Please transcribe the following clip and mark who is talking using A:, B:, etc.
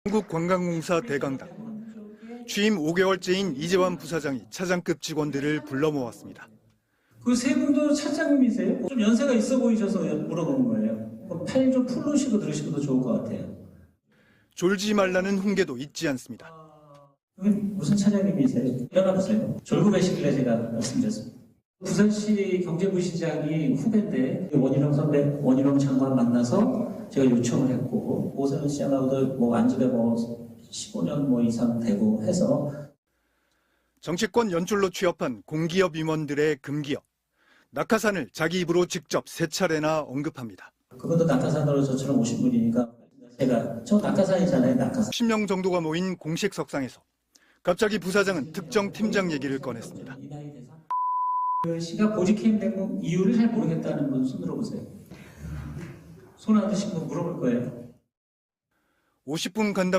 A: 한국관광공사 대강당. 취임 5개월째인 이재환 부사장이 차장급 직원들을 불러 모았습니다.
B: 그 세 분도 차장님이세요? 좀 연세가 있어 보이셔서 물어보는 거예요. 팔 좀 풀으시고 들으시고도 좋을 것 같아요.
A: 졸지 말라는 훈계도 잊지 않습니다.
B: 여기 무슨 차장님이세요? 일어나보세요. 졸급하시길래 제가 말씀드렸습니다. 부산시 경제부시장이 후배인데 원희룡 선배, 원희룡 장관 만나서 제가 요청을 했고 오세훈 시장하고도 안집에 15년 이상 되고 해서
A: 정치권 연줄로 취업한 공기업 임원들의 금기업. 낙하산을 자기 입으로 직접 3차례나 언급합니다.
B: 그분도 낙하산으로 저처럼 오신 분이니까 저 낙하산이잖아요. 낙하산.
A: 10명 정도가 모인 공식 석상에서 갑자기 부사장은 특정 팀장 얘기를 꺼냈습니다.
B: 그 시가 보직해임된 이유를 잘 모르겠다는 분 손 들어보세요. 손 안 드신 분 물어볼 거예요.
A: 50분 간담